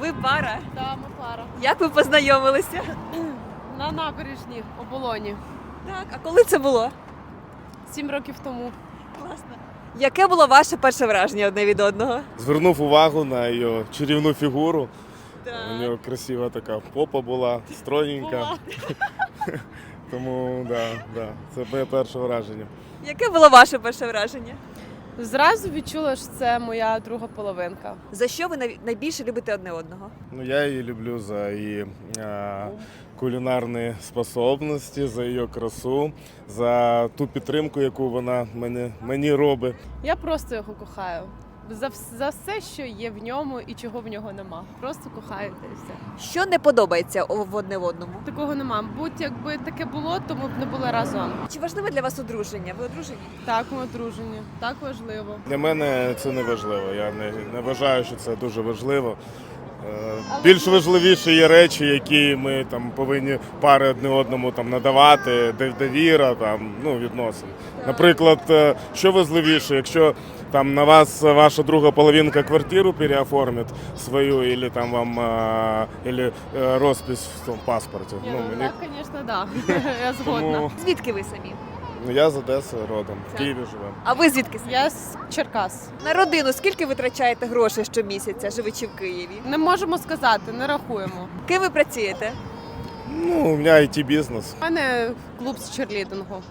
Ви пара? Да, ми пара. Як ви познайомилися? На набережній Оболоні. Так, а коли це було? 7 років тому. Класно. Яке було ваше перше враження одне від одного? Звернув увагу на її чарівну фігуру. Так. У нього красива така попа була, стройненька. Тому да, це моє перше враження. Яке було ваше перше враження? Зразу відчула, що це моя друга половинка. За що ви найбільше любите одне одного? Ну, я її люблю за її кулінарні способності, за її красу, за ту підтримку, яку вона мені робить. Я просто його кохаю. За все, що є в ньому і чого в нього нема. Просто кохаю та і все. Що не подобається в одне в одному? Такого нема. Будь якби таке було, то ми б не були разом. Чи важливе для вас одруження? Ви одружені? Так, ми одружені. Так важливо. Для мене це не важливо. Я не вважаю, що це дуже важливо. Більш важливіші є речі, які ми там повинні пари одне одному там надавати, довіра, там відносин. Наприклад, що важливіше, якщо там на вас ваша друга половинка квартиру переоформить свою, або там вам розпис в тому паспорті. Так, звісно, так. Я згодна. Тому Звідки ви самі? я з Одеси родом, в Києві живу. А ви звідки самі? Я з Черкас. На родину скільки витрачаєте грошей щомісяця, живучи в Києві? Не можемо сказати, не рахуємо. Ким ви працюєте? Ну, у мене IT-бізнес. У мене клуб з черлідингу.